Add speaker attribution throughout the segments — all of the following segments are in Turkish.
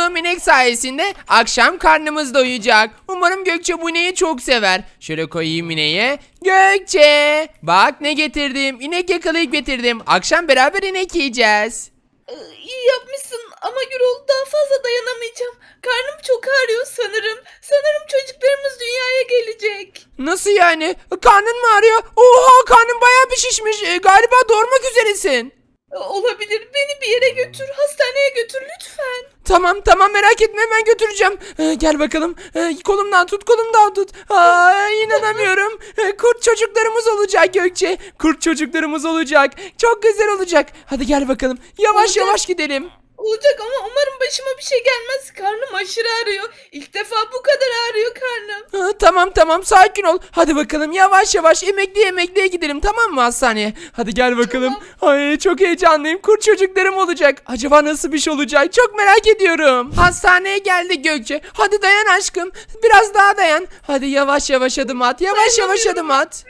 Speaker 1: bulduğum inek sayesinde akşam karnımız doyacak. Umarım Gökçe bu ineği çok sever. Şöyle koyayım ineğe. Gökçe, bak ne getirdim. İnek yakalayıp getirdim. Akşam beraber inek yiyeceğiz.
Speaker 2: İyi yapmışsın ama Gürol daha fazla dayanamayacağım. Karnım çok ağrıyor sanırım. Sanırım çocuklarımız dünyaya gelecek.
Speaker 1: Nasıl yani? Karnın mı ağrıyor? Oha, karnın bayağı bir şişmiş. Galiba doğurmak üzeresin.
Speaker 2: Olabilir. Beni bir yere götür. Hastaneye götür lütfen.
Speaker 1: Tamam tamam, merak etme, hemen götüreceğim. Gel bakalım. Kolumdan tut, kolumdan tut. İnanamıyorum. Kurt çocuklarımız olacak Gökçe. Kurt çocuklarımız olacak. Çok güzel olacak. Hadi gel bakalım. Yavaş
Speaker 2: Olacak.
Speaker 1: yavaş gidelim.
Speaker 2: Olacak ama umarım başıma bir şey gelmez. Karnım aşırı ağrıyor. İlk defa bu kadar ağrıyor karnım.
Speaker 1: Tamam tamam, sakin ol. Hadi bakalım, yavaş yavaş emekliye gidelim, tamam mı, hastaneye? Hadi gel bakalım. Ay, çok heyecanlıyım. Kurt çocuklarım olacak. Acaba nasıl bir şey olacak? Çok merak ediyorum. Hastaneye geldik Gökçe. Hadi dayan aşkım. Biraz daha dayan. Hadi yavaş yavaş adım at. Yavaş yavaş adım at.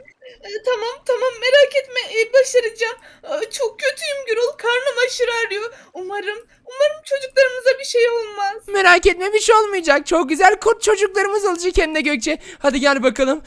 Speaker 2: Tamam merak etme. Başaracağım. Çok kötüyüm Gürol. Karnım aşırı ağrıyor. Umarım çocuklarımıza bir şey olmaz.
Speaker 1: Merak etme, bir şey olmayacak. Çok güzel kurt çocuklarımız olacak hem de Gökçe. Hadi gel bakalım.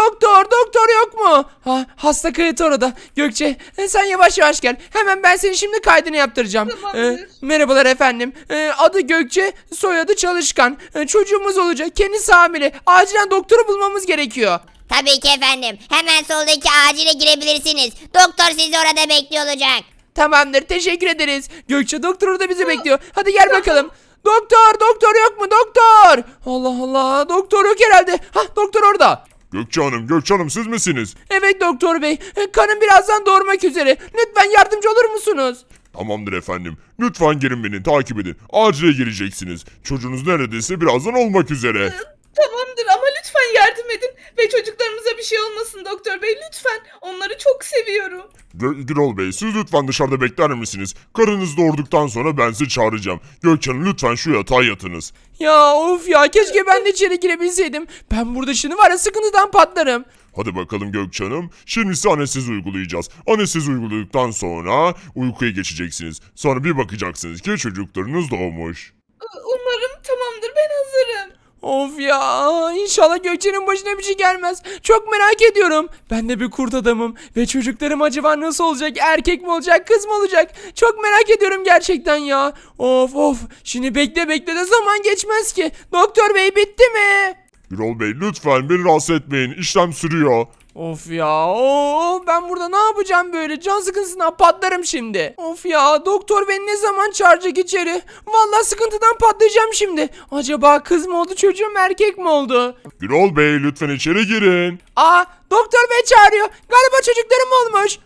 Speaker 1: Doktor yok mu? Hasta kayıt orada. Gökçe, sen yavaş yavaş gel. Hemen ben senin şimdi kaydını yaptıracağım.
Speaker 2: Tamamdır.
Speaker 1: Merhabalar efendim. Adı Gökçe, soyadı Çalışkan. Çocuğumuz olacak. Kendisi hamile. Acilen doktoru bulmamız gerekiyor.
Speaker 3: Tabii ki efendim. Hemen soldaki acile girebilirsiniz. Doktor sizi orada bekliyor olacak.
Speaker 1: Tamamdır, teşekkür ederiz. Gökçe, doktor orada bizi bekliyor. Hadi gel bakalım. Doktor yok mu doktor? Allah Allah, doktor yok herhalde. Doktor orada.
Speaker 4: Gökçe Hanım siz misiniz?
Speaker 1: Evet doktor bey, karım birazdan doğurmak üzere. Lütfen yardımcı olur musunuz?
Speaker 4: Tamamdır efendim. Lütfen gelin beni takip edin. Acile gireceksiniz. Çocuğunuz neredeyse birazdan olmak üzere.
Speaker 2: Tamamdır ama lütfen yardım edin. Ve çocuklarımıza bir şey olmasın doktor bey lütfen. Onları çok seviyorum.
Speaker 4: Gürol Bey siz lütfen dışarıda bekler misiniz? Karınız doğurduktan sonra ben sizi çağıracağım. Gökçe Hanım lütfen şu yatağa yatınız.
Speaker 1: Ya of ya, keşke ben de içeri girebilseydim. Ben burada şimdi var ya, sıkıntıdan patlarım.
Speaker 4: Hadi bakalım Gökçe Hanım. Şimdi size anestezi uygulayacağız. Anestezi uyguladıktan sonra uykuya geçeceksiniz. Sonra bir bakacaksınız ki çocuklarınız doğmuş.
Speaker 2: Umarım tamamdır ben hazırım.
Speaker 1: Of ya, inşallah Gökçe'nin başına bir şey gelmez. Çok merak ediyorum. Ben de bir kurt adamım ve çocuklarım acaba nasıl olacak? Erkek mi olacak, kız mı olacak? Çok merak ediyorum gerçekten ya. Of. Şimdi bekle de zaman geçmez ki. Doktor bey, bitti mi?
Speaker 4: Gürol Bey lütfen beni rahatsız etmeyin. İşlem sürüyor.
Speaker 1: Of ya, ben burada ne yapacağım böyle? Can sıkıntısından patlarım şimdi. Of ya, doktor beni ne zaman çağıracak içeri? Vallahi sıkıntıdan patlayacağım şimdi. Acaba kız mı oldu, çocuğum erkek mi oldu?
Speaker 4: Gürol Bey lütfen içeri girin.
Speaker 1: Doktor bey çağırıyor. Galiba çocuklarım olmuş.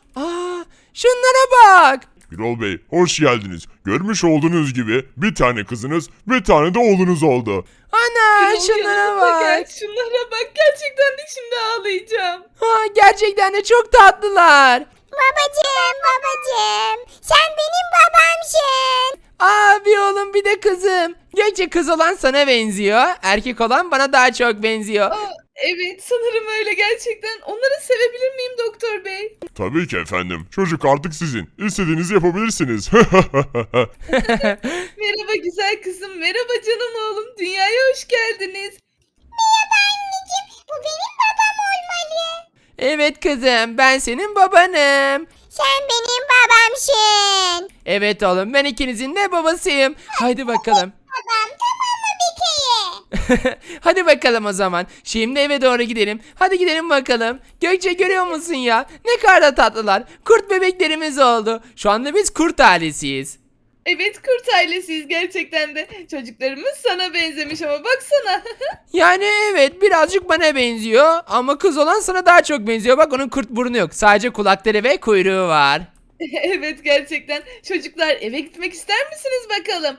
Speaker 1: Şunlara bak.
Speaker 4: Gürol Bey hoş geldiniz. Görmüş olduğunuz gibi bir tane kızınız bir tane de oğlunuz oldu.
Speaker 1: Ana,
Speaker 2: Gürol,
Speaker 1: şunlara
Speaker 2: yanıma
Speaker 1: bak.
Speaker 2: gel, şunlara bak. Gerçekten de şimdi ağlayacağım.
Speaker 1: Gerçekten de çok tatlılar.
Speaker 3: Babacım. Sen benim babamsın.
Speaker 1: Bir oğlum bir de kızım. Gökçe, kız olan sana benziyor. Erkek olan bana daha çok benziyor.
Speaker 2: Evet sanırım öyle gerçekten. Onları sevebilir miyim doktor bey?
Speaker 4: Tabii ki efendim. Çocuk artık sizin. İstediğinizi yapabilirsiniz.
Speaker 2: Merhaba güzel kızım. Merhaba canım oğlum. Dünyaya hoş geldiniz.
Speaker 3: Bu benim babam olmalı.
Speaker 1: Evet kızım, ben senin babanım.
Speaker 3: Sen benim babamsın.
Speaker 1: Evet oğlum, ben ikinizin de babasıyım. Haydi bakalım.
Speaker 3: Babam tamam mı bir kere?
Speaker 1: Hadi bakalım o zaman. Şimdi eve doğru gidelim. Hadi gidelim bakalım. Gökçe, görüyor musun ya? Ne kadar da tatlılar. Kurt bebeklerimiz oldu. Şu anda biz kurt ailesiyiz.
Speaker 2: Evet kurt ailesiyiz gerçekten de. Çocuklarımız sana benzemiş ama baksana.
Speaker 1: Yani evet, birazcık bana benziyor. Ama kız olan sana daha çok benziyor. Bak, onun kurt burnu yok. Sadece kulakları ve kuyruğu var.
Speaker 2: Evet gerçekten. Çocuklar eve gitmek ister misiniz bakalım?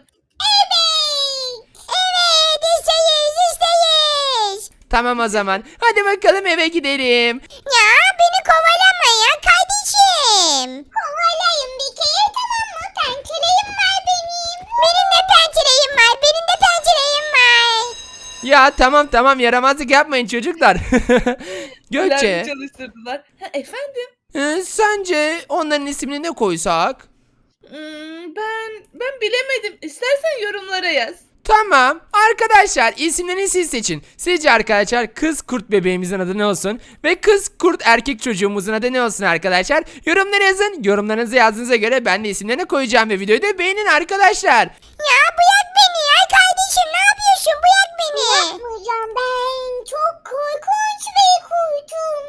Speaker 3: Evet isteyiz.
Speaker 1: Tamam o zaman. Hadi bakalım eve gidelim.
Speaker 3: Ya beni kovalama ya kardeşim. Kovalayın bir kere tamam mı? Pencereyim var benim. Benim de pencereyim var.
Speaker 1: Ya tamam, yaramazlık yapmayın çocuklar.
Speaker 2: Güzel
Speaker 1: Gökçe,
Speaker 2: çalıştırdılar. Efendim?
Speaker 1: sence onların ismini ne koysak?
Speaker 2: Ben bilemedim. İstersen yorumlara yaz.
Speaker 1: Tamam. Arkadaşlar isimlerini siz seçin. Sizce arkadaşlar kız kurt bebeğimizin adı ne olsun? Ve kız kurt erkek çocuğumuzun adı ne olsun arkadaşlar? Yorumlara yazın. Yorumlarınızı yazdığınıza göre ben de isimlerini koyacağım ve videoyu da beğenin arkadaşlar.
Speaker 3: Ya bırak beni ya kardeşim, ne yapıyorsun, bırak beni. Yapmayacağım, ben çok korkunç bir kurtum.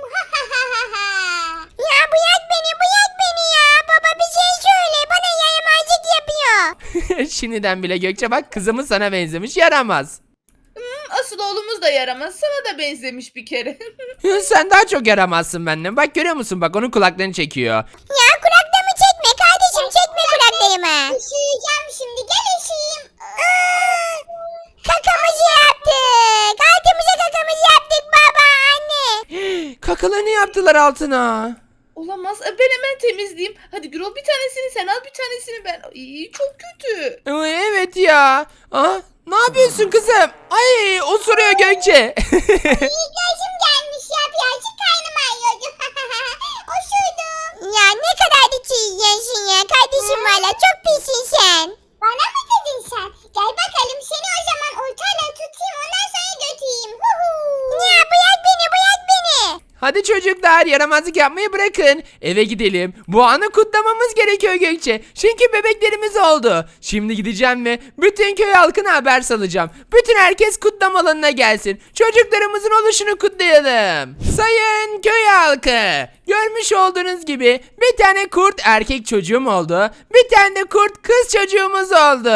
Speaker 3: Ya bırak beni ya, baba bir şey söyle, bana yaramazlık yapıyor.
Speaker 1: Şimdiden bile Gökçe bak kızımız sana benzemiş, yaramaz.
Speaker 2: Asıl oğlumuz da yaramaz. Sana da benzemiş bir kere.
Speaker 1: Sen daha çok yaramazsın benden. Bak görüyor musun, bak onun kulaklarını çekiyor.
Speaker 3: Ya kulaklarımı çekme kardeşim, çekme kulaklarımı. Üşüyeceğim şimdi, gel üşüyeyim. Kakamızı yaptık. Altımıza kakamızı yaptık baba, anne.
Speaker 1: Kakalarını yaptılar altına.
Speaker 2: Olamaz. Ben hemen temizleyeyim. Hadi Gürol, bir tanesini sen al, bir tanesini ben. Ay, çok kötü.
Speaker 1: Evet ya. Aa, ne yapıyorsun kızım? Ay osuruyor Gökçe.
Speaker 3: Gözüm gelmiş ya, birazcık karnım ağrıyordu. Osurdum. Ya ne kadar da çiğyensin ya kardeşim, valla çok pissin sen. Bana mı dedin sen? Gel bakalım, seni o zaman ortayla tutayım, ondan sonra götüreyim. Ya bırak beni, bırak beni.
Speaker 1: Hadi çocuklar yaramazlık yapmayı bırakın. Eve gidelim. Bu anı kutlamamız gerekiyor Gökçe. Çünkü bebeklerimiz oldu. Şimdi gideceğim ve bütün köy halkına haber salacağım. Bütün herkes kutlama alanına gelsin. Çocuklarımızın oluşunu kutlayalım. Sayın köy halkı. Görmüş olduğunuz gibi bir tane kurt erkek çocuğum oldu. Bir tane de kurt kız çocuğumuz oldu.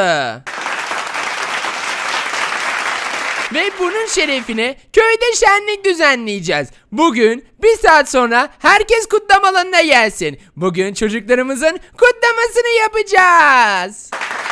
Speaker 1: Ve bunun şerefine köyde şenlik düzenleyeceğiz. Bugün bir saat sonra herkes kutlama alanına gelsin. Bugün çocuklarımızın kutlamasını yapacağız.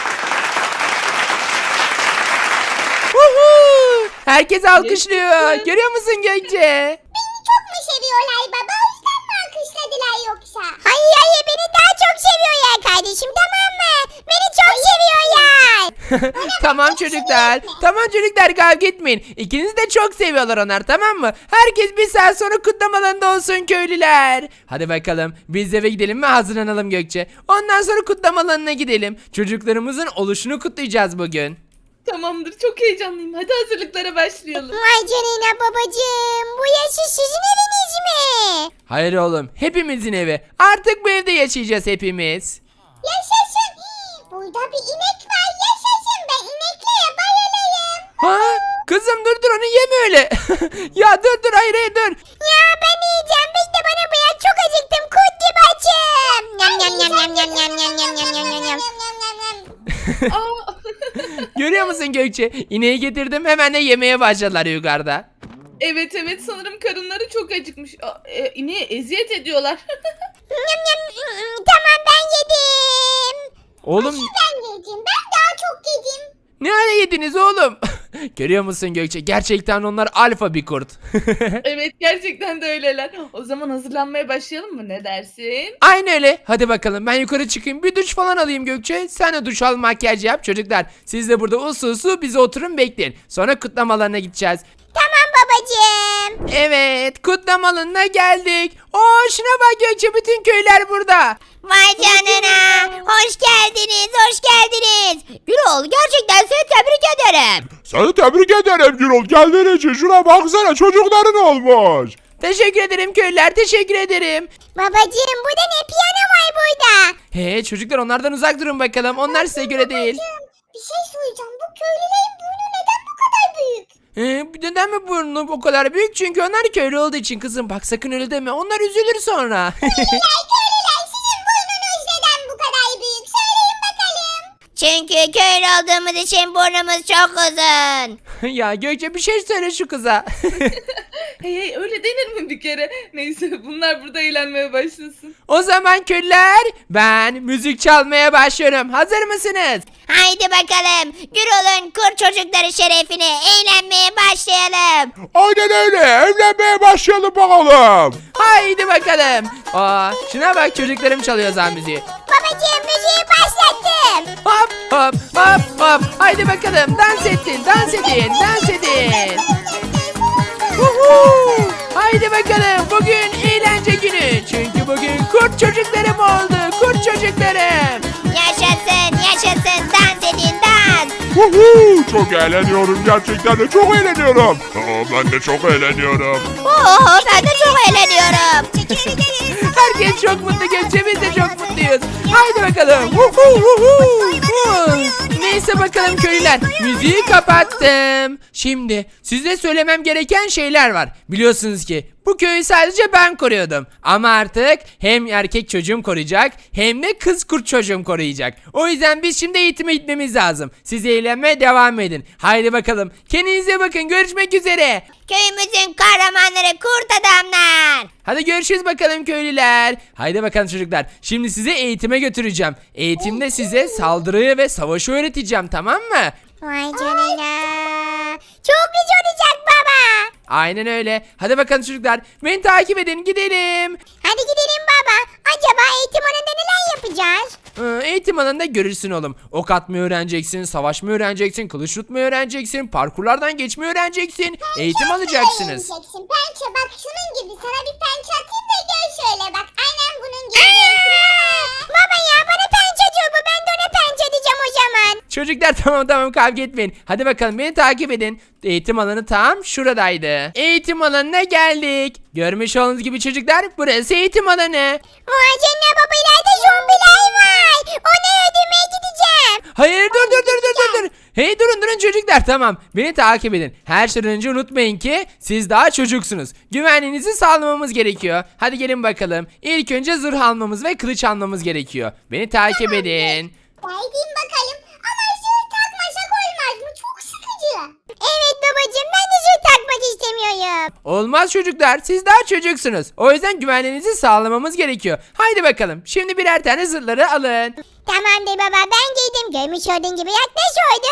Speaker 1: Woohoo! Herkes alkışlıyor. Görüyor musun Gökçe?
Speaker 3: Beni çok mu seviyorlar baba, o yüzden mi alkışladılar yoksa? Hayır, beni daha çok seviyorlar kardeşim, tamam mı? Beni çok seviyorlar.
Speaker 1: Tamam çocuklar. Tamam çocuklar, kavga etmeyin. İkinizi de çok seviyorlar onlar, tamam mı? Herkes bir saat sonra kutlama alanında olsun köylüler. Hadi bakalım biz eve gidelim ve hazırlanalım Gökçe. Ondan sonra kutlama alanına gidelim. Çocuklarımızın oluşunu kutlayacağız bugün.
Speaker 2: Tamamdır, çok heyecanlıyım. Hadi hazırlıklara başlayalım.
Speaker 3: Vay canına babacığım, bu yaşı sizin eviniz mi?
Speaker 1: Hayır oğlum, hepimizin evi. Artık bu evde yaşayacağız hepimiz.
Speaker 3: Yaşasın. Burada bir inek var, yaşasın, ben ineklere bayılırım.
Speaker 1: Ha? Kızım dur onu yeme öyle. Ya dur hayır dur.
Speaker 3: Ya ben yiyeceğim, bekle bana bırak, çok acıktım, kurt gibi açım. Yam yam yam yam yam yam yam yam yam yam yam yam.
Speaker 2: Aa,
Speaker 1: Görüyor musun Gökçe? İneği getirdim, hemen de yemeye başladılar yukarıda.
Speaker 2: evet sanırım karınları çok acıkmış. İneğe eziyet ediyorlar.
Speaker 3: Yam yam. Tamam, ben yedim.
Speaker 1: Oğlum
Speaker 3: Ben yedim, ben daha çok yedim.
Speaker 1: ne hale yediniz oğlum? Görüyor musun Gökçe? Gerçekten onlar alfa bir kurt.
Speaker 2: Evet, gerçekten de öyleler. O zaman hazırlanmaya başlayalım mı? Ne dersin?
Speaker 1: Aynı öyle. Hadi bakalım ben yukarı çıkayım. Bir duş falan alayım Gökçe. Sen de duş al, makyaj yap. Çocuklar siz de burada usul bize oturun bekleyin. Sonra kutlamalarına gideceğiz.
Speaker 3: Tamam babacığım.
Speaker 1: Evet, kutlama alanına geldik. Şuna bak Gökçe, bütün köyler burada.
Speaker 3: Vay canına. Hoş geldiniz, hoş geldiniz. Gürol, gerçekten seni tebrik ederim.
Speaker 4: Seni tebrik ederim Gürol. Geldiğin için şuna baksana, çocukların olmuş.
Speaker 1: Teşekkür ederim köylüler, teşekkür ederim.
Speaker 3: Babacığım, burada ne piyano var burada?
Speaker 1: He çocuklar, onlardan uzak durun bakalım. Onlar size göre değil.
Speaker 3: Bir şey söyleyeceğim, bu köylülerin burnu neden bu kadar büyük?
Speaker 1: Neden mi burnu o kadar büyük? Çünkü onlar köylü olduğu için kızım. Bak sakın öyle deme. Onlar üzülür sonra.
Speaker 3: Köylüler, sizin burnunuz neden bu kadar büyük? Söyleyin bakalım. Çünkü köylü olduğumuz için burnumuz çok uzun.
Speaker 1: Ya Gökçe bir şey söyle şu kıza.
Speaker 2: Hey, öyle denir mi bir kere? Neyse, bunlar burada eğlenmeye başlasın.
Speaker 1: O zaman köylüler, ben müzik çalmaya başlıyorum. Hazır mısınız?
Speaker 3: Haydi bakalım. Gürol'un kurt çocukları şerefine eğlenmeye başlayalım.
Speaker 4: Aynen öyle, evlenmeye başlayalım bakalım.
Speaker 1: Haydi bakalım. Şuna bak, çocuklarım çalıyor zaman müziği.
Speaker 3: Babacığım, müziği başlattım.
Speaker 1: Hop hop hop hop. Haydi bakalım, dans edin, dans edin, dans edin. Woohoo! Haydi bakalım, bugün eğlence günü. Çünkü bugün kurt çocuklarım oldu, kurt çocuklarım.
Speaker 3: Yaşasın, yaşasın, dans edin, dans.
Speaker 4: Çok eğleniyorum. Gerçekten de çok eğleniyorum. Ben de çok eğleniyorum.
Speaker 3: Oo, ben de çok eğleniyorum.
Speaker 1: Herkes çok mutlu, Gökçe, biz de çok mutluyuz. Haydi bakalım. Vuhu. Neyse bakalım köylüler, müziği kapattım. Şimdi size söylemem gereken şeyler var. Biliyorsunuz ki bu köyü sadece ben koruyordum. Ama artık hem erkek çocuğum koruyacak hem de kız kurt çocuğum koruyacak. O yüzden biz şimdi eğitime gitmemiz lazım. Siz eğlenmeye devam edin. Haydi bakalım. Kendinize bakın. Görüşmek üzere.
Speaker 3: Köyümüzün kahramanları kurt adamlar.
Speaker 1: Hadi görüşürüz bakalım köylüler. Haydi bakalım çocuklar. Şimdi sizi eğitime götüreceğim. Eğitimde size saldırıyı ve savaşı öğreteceğim, tamam mı?
Speaker 3: Vay canına. Çok güzel olacak baba.
Speaker 1: Aynen öyle. Hadi bakalım çocuklar. Beni takip edin, gidelim.
Speaker 3: Hadi gidelim baba. Acaba eğitim alanında neler yapacağız?
Speaker 1: Eğitim alanında görürsün oğlum. Ok atmayı öğreneceksin, savaşmayı öğreneceksin, kılıç tutmayı öğreneceksin, parkurlardan geçmeyi öğreneceksin. Eğitim alacaksınız.
Speaker 3: Pençe bak şunun gibi sana bir pençe atayım da gel şöyle bak. Aynen bunun gibi. Baba ya bana pençe diyor bu. Ben de ona pençe diyeceğim o zaman.
Speaker 1: Çocuklar tamam kavga etmeyin. Hadi bakalım beni takip edin. Eğitim alanı tam şuradaydı. Eğitim alanına geldik. Görmüş olduğunuz gibi çocuklar, burası eğitim alanı.
Speaker 3: Vay canına baba ileride zombiler var. Onu öldürmeye gideceğim.
Speaker 1: Hayır, dur. Hey, durun çocuklar, tamam. Beni takip edin. Her şeyden önce unutmayın ki siz daha çocuksunuz. Güvenliğinizi sağlamamız gerekiyor. Hadi gelin bakalım. İlk önce zırh almamız ve kılıç almamız gerekiyor. Beni takip edin.
Speaker 3: Geldim bakalım. Ama zırh takmasak olmaz mı? Çok sıkıcı. Evet babacığım ben de zırh takmak istemiyorum.
Speaker 1: Olmaz çocuklar, siz daha çocuksunuz. O yüzden güvenliğinizi sağlamamız gerekiyor. Haydi bakalım. Şimdi birer tane zırhları alın.
Speaker 3: Tamamdır baba ben giydim. Görmüş olduğun gibi yaklaş oldu.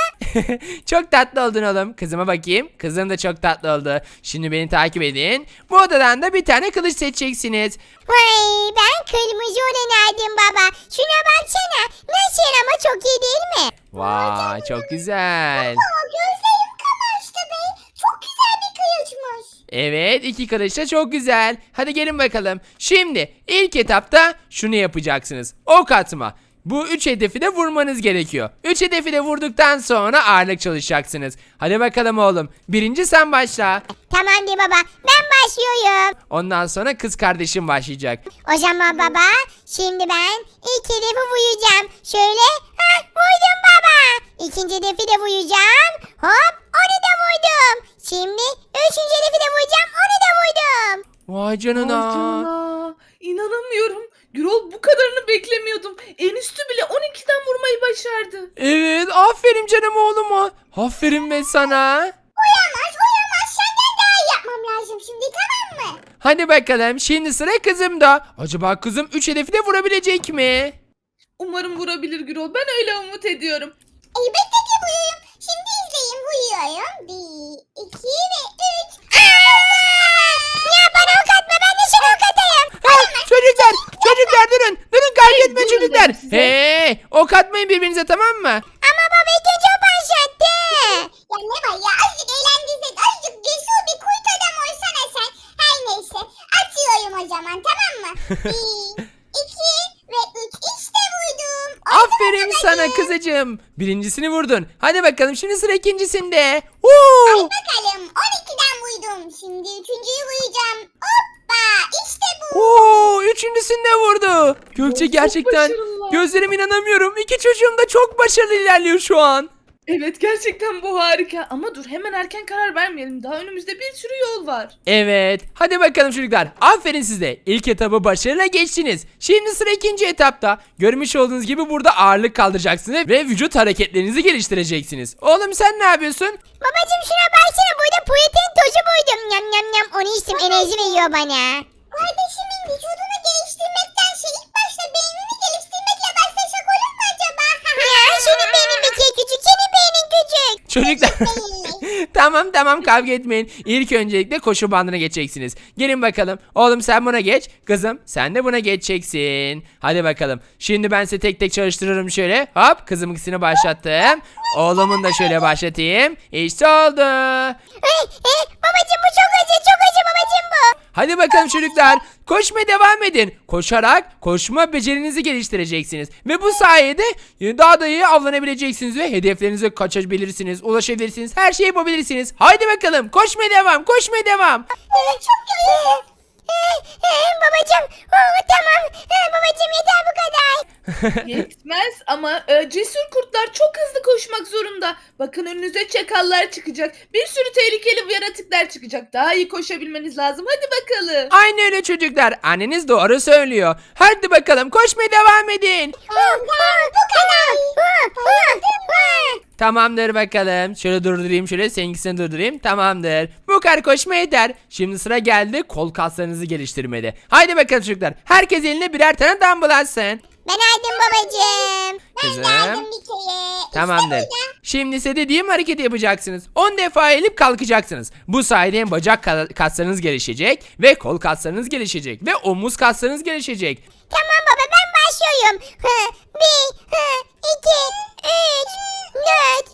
Speaker 1: Çok tatlı oldun oğlum. Kızıma bakayım. Kızım da çok tatlı oldu. Şimdi beni takip edin. Bu odadan da bir tane kılıç seçeceksiniz.
Speaker 3: Vay ben kırmızı olanı aldım baba. Şuna baksana. Nasıl ama çok iyi değil mi?
Speaker 1: Vay, çok güzel.
Speaker 3: Gözlerim kamaştı be. Çok güzel bir kılıçmış.
Speaker 1: Evet, iki kılıç da çok güzel. Hadi gelin bakalım. Şimdi ilk etapta şunu yapacaksınız. Ok atma. Bu 3 hedefi de vurmanız gerekiyor. 3 hedefi de vurduktan sonra ağırlık çalışacaksınız. Hadi bakalım oğlum. Birinci sen başla.
Speaker 3: Tamamdır baba ben başlıyorum.
Speaker 1: Ondan sonra kız kardeşim başlayacak.
Speaker 3: O zaman baba şimdi ben ilk hedefi vuracağım. Şöyle vurdum baba. İkinci hedefi de vuracağım. Hop onu da vurdum. Şimdi üçüncü hedefi de vuracağım. Onu da vurdum.
Speaker 1: Vay canına.
Speaker 2: Vay canına. İnanamıyorum. Gürol bu kadarını beklemiyordum. En üstü bile 12'den vurmayı başardı.
Speaker 1: Evet, aferin canım oğluma. Aferin be sana.
Speaker 3: Uyamaz. Senden daha iyi yapmam lazım şimdi tamam mı?
Speaker 1: Hadi bakalım, şimdi sıra kızımda. Acaba kızım 3 hedefi de vurabilecek mi?
Speaker 2: Umarım vurabilir Gürol. Ben öyle umut ediyorum.
Speaker 3: Elbette ki vuruyorum. Şimdi izleyin vuruyorum. 1, 2 ve 3. Ya bana ok atma ben de sana ok atayım.
Speaker 1: Çocuklar durun kaybetme
Speaker 2: Durun
Speaker 1: çocuklar.
Speaker 2: dedim size.
Speaker 1: Hey, ok atmayın birbirinize, tamam mı?
Speaker 3: Ama baba ilk önce o başlattı. Ya ne var ya azıcık eğlendirsen azıcık cesur bir kurt adam olsana sen. Her neyse atıyorum o zaman tamam mı? 1, 2 ve 3 işte vurdum.
Speaker 1: Aferin sana kızıcığım. Birincisini vurdun. Hadi bakalım, şimdi sıra ikincisinde. Woo!
Speaker 3: Bakalım 12'den vurdum. Şimdi üçüncüyü vuracağım. Hoppa işte bu.
Speaker 1: Oo, üçüncüsünde vurdu. Gökçe,
Speaker 2: Çok
Speaker 1: gerçekten
Speaker 2: başarılılar.
Speaker 1: gözlerime inanamıyorum. İki çocuğum da çok başarılı ilerliyor şu an.
Speaker 2: Evet gerçekten bu harika. Ama dur hemen erken karar vermeyelim. Daha önümüzde bir sürü yol var.
Speaker 1: Evet. Hadi bakalım çocuklar. Aferin size. İlk etabı başarıyla geçtiniz. Şimdi sıra ikinci etapta. Görmüş olduğunuz gibi burada ağırlık kaldıracaksınız ve vücut hareketlerinizi geliştireceksiniz. Oğlum sen ne yapıyorsun?
Speaker 3: Babacım şuna baksana burada protein tozu buydum. Yam yam yam onu içtim enerji veriyor bana. Kardeşimin vücudunu geliştirmektense ilk başta beynini geliştirmekle başlasak olur mu acaba? Ya senin beynin bir kere küçük senin beynin küçük.
Speaker 1: Çocuklar. Tamam kavga etmeyin. İlk öncelikle koşu bandına geçeceksiniz. Gelin bakalım. Oğlum sen buna geç. Kızım sen de buna geçeceksin. Hadi bakalım. Şimdi ben size tek tek çalıştırırım şöyle. Hop, kızım ikisini başlattım. Oğlumun da şöyle başlatayım. İşte oldu.
Speaker 3: Babacım bu çok acı babacım bu.
Speaker 1: Hadi bakalım çocuklar. Koşmaya devam edin. Koşarak koşma becerinizi geliştireceksiniz. Ve bu sayede daha da iyi avlanabileceksiniz ve hedeflerinize kaçabilirsiniz, ulaşabilirsiniz, her şeyi yapabilirsiniz. Haydi bakalım koşmaya devam, koşmaya devam.
Speaker 3: Çok iyi. Babacım. Tamam. Babacım yeter bu kadar.
Speaker 2: Yetmez ama cesur kurtlar çok hızlı koşmak zorunda. Bakın önünüze çakallar çıkacak. Bir sürü tehlikeli yaratıklar çıkacak. Daha iyi koşabilmeniz lazım. Hadi bakalım.
Speaker 1: Aynı öyle çocuklar. Anneniz doğru söylüyor. Hadi bakalım koşmaya devam edin.
Speaker 3: Bu kadar.
Speaker 1: Tamamdır bakalım. Şöyle durdurayım, şöyle seninkisini durdurayım. Tamamdır. Bu kadar koşma yeter. Şimdi sıra geldi kol kaslarınızı geliştirmede. Haydi bakalım çocuklar. Herkes eline birer tane dumbbell alsın.
Speaker 3: Ben aldım babacım.
Speaker 1: Kızım.
Speaker 3: Ben de aldım bir kere.
Speaker 1: Tamamdır.
Speaker 3: İşte burada.
Speaker 1: Şimdi ise dediğim hareketi yapacaksınız. 10 defa eğilip kalkacaksınız. Bu sayede hem bacak kaslarınız gelişecek ve kol kaslarınız gelişecek ve omuz kaslarınız gelişecek.
Speaker 3: Tamam baba ben başlıyorum. 1, 2, 3, 4, 5.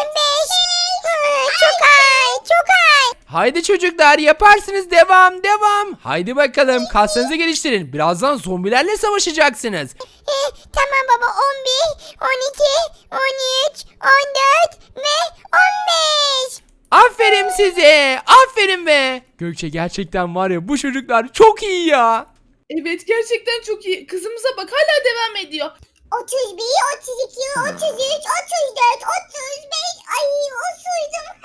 Speaker 3: Çok ay, çok ay.
Speaker 1: Haydi çocuklar yaparsınız, devam devam. Haydi bakalım kaslarınızı geliştirin. Birazdan zombilerle savaşacaksınız.
Speaker 3: Tamam baba 11, 12, 13, 14 ve 15.
Speaker 1: Aferin size. Aferin be. Gökçe gerçekten var ya bu çocuklar çok iyi ya.
Speaker 2: Evet gerçekten çok iyi. Kızımıza bak hala devam ediyor.
Speaker 3: 31, 32, 33, 34, 35. Ay osurdum.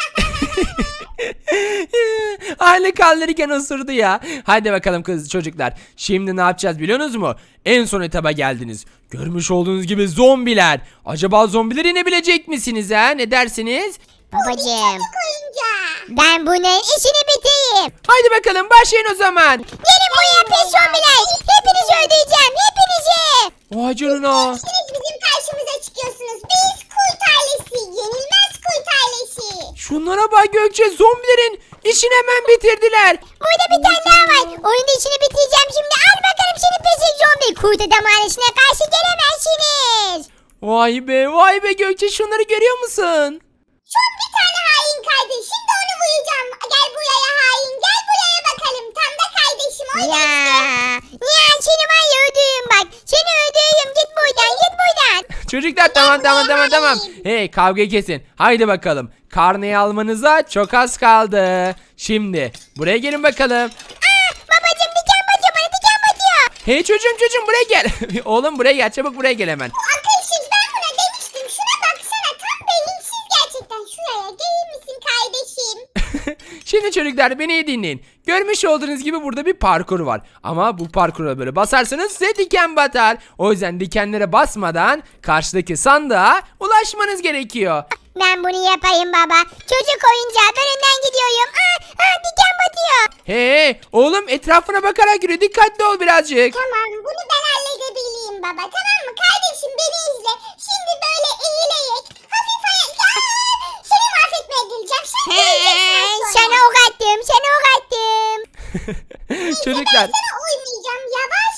Speaker 1: Aile kaldırırken osurdu ya. Hadi bakalım kız çocuklar. Şimdi ne yapacağız biliyorsunuz mu? En son etaba geldiniz. Görmüş olduğunuz gibi zombiler. Acaba zombiler inebilecek misiniz ha? Ne dersiniz?
Speaker 3: Babacım. Ben bunun işini bitireyim.
Speaker 1: Haydi bakalım başlayın o zaman.
Speaker 3: Gelin buraya pis zombiler. Hepinizi öldüreceğim. Hepinizi.
Speaker 1: Vay canına.
Speaker 3: Siz bizim karşımıza çıkıyorsunuz. Biz kurt ailesi. Yenilmez kurt ailesi.
Speaker 1: Şunlara bak Gökçe, zombilerin işini hemen bitirdiler.
Speaker 3: Burada bir tane daha var. Onun da işini bitireceğim şimdi. Al bakalım seni pesik zombi. Kurt adam ailesine karşı gelemezsiniz.
Speaker 1: Vay be Gökçe, şunları görüyor musun?
Speaker 3: Son bir tane hain kardeş. Şimdi onu vuracağım. Gel buraya hain. Gel buraya bakalım. Tam da kardeşim. Ya seni var ya öldürürüm bak. Seni öldürürüm. Git buradan. Git buradan.
Speaker 1: Çocuklar tamam. Hey, kavga kesin. Haydi bakalım. Karneyi almanıza çok az kaldı. Şimdi buraya gelin bakalım.
Speaker 3: Babacım diken batıyor bana. Diken batıyor.
Speaker 1: Hey çocuğum buraya gel. Oğlum buraya gel, çabuk buraya gel hemen.
Speaker 3: Akılsız ben buna demiştim. Şuna baksana. Tam beyinsiz gerçekten. Şuraya gelir misin kardeşim?
Speaker 1: Şimdi çocuklar beni iyi dinleyin. Görmüş olduğunuz gibi burada bir parkur var. Ama bu parkura böyle basarsanız size diken batar. O yüzden dikenlere basmadan karşıdaki sandığa ulaşmanız gerekiyor.
Speaker 3: Ben bunu yapayım baba. Çocuk oyuncağı. Ben önden gidiyorum. Diken batıyor.
Speaker 1: Hey oğlum, etrafına bakarak yürü, dikkatli ol birazcık.
Speaker 3: Tamam bunu ben halledebileyim baba. Tamam mı kardeşim beni izle. Şimdi böyle eğileyek. Hafif ya. Seni mahvetmeye geleceğim. Sen göreceksin sonra. Sana ok attım. Sana ok attım.
Speaker 1: Çocuklar
Speaker 3: Ben sana uymayacağım. Yavaş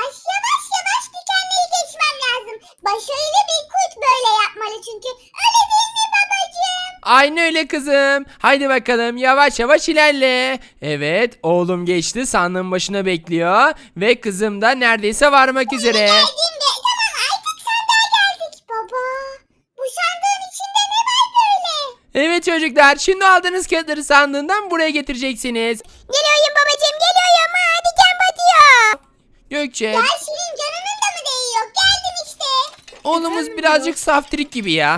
Speaker 3: yavaş dikenleri geçmem lazım. Başarılı bir kurt böyle yapmalı çünkü. Öyle değil mi babacığım?
Speaker 1: aynı öyle kızım. Haydi bakalım yavaş yavaş ilerle. Evet, oğlum geçti, sandığın başına bekliyor. Ve kızım da neredeyse varmak üzere.
Speaker 3: Geldim de tamam artık sandığa geldik baba. Bu sandığın içinde ne var böyle?
Speaker 1: Evet çocuklar, şimdi aldığınız kağıtları sandığından buraya getireceksiniz.
Speaker 3: Geliyorum babacığım geliyorum. Diken batıyor.
Speaker 1: Gökçe,
Speaker 3: Ya senin canının da mı değiyor? Geldim işte.
Speaker 1: oğlumuz birazcık saftirik gibi ya.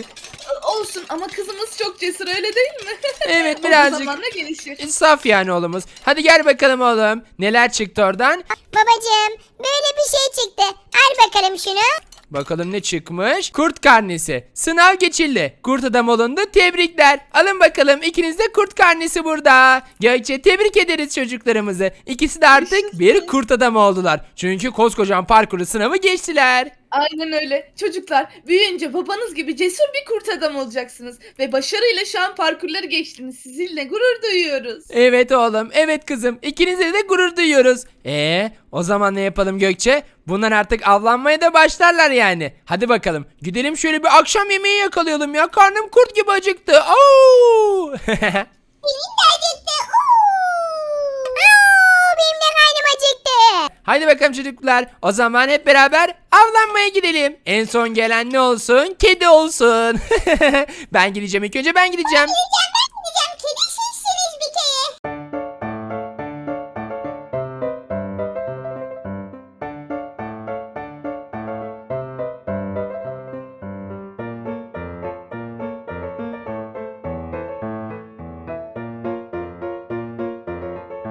Speaker 2: Olsun ama kızımız çok cesur öyle değil mi?
Speaker 1: Evet,
Speaker 2: O
Speaker 1: birazcık.
Speaker 2: zamanla gelişir.
Speaker 1: Saf yani oğlumuz. Hadi gel bakalım oğlum. Neler çıktı oradan?
Speaker 3: Babacığım böyle bir şey çıktı. Al bakalım şunu.
Speaker 1: Bakalım ne çıkmış? Kurt karnesi. Sınav geçildi. Kurt adam olundu. Tebrikler. Alın bakalım. İkiniz de kurt karnesi burada. Gökçe, tebrik ederiz çocuklarımızı. İkisi de artık bir kurt adam oldular. Çünkü koskocaman parkuru sınavı geçtiler.
Speaker 2: Aynen öyle. Çocuklar büyüyünce babanız gibi cesur bir kurt adam olacaksınız. Ve başarıyla şu an parkurları geçtiniz. Sizinle gurur duyuyoruz.
Speaker 1: Evet oğlum. Evet kızım. İkinize de gurur duyuyoruz. O zaman ne yapalım Gökçe? Bunlar artık avlanmaya da başlarlar yani. Hadi bakalım. Gidelim şöyle bir akşam yemeği yakalayalım ya. Karnım kurt gibi acıktı. Oo!
Speaker 3: Benim de acıktı.
Speaker 1: Hadi bakalım çocuklar. O zaman hep beraber avlanmaya gidelim. En son gelen ne olsun? Kedi olsun. Ben gideceğim ilk önce ben gideceğim.
Speaker 3: Gideceğim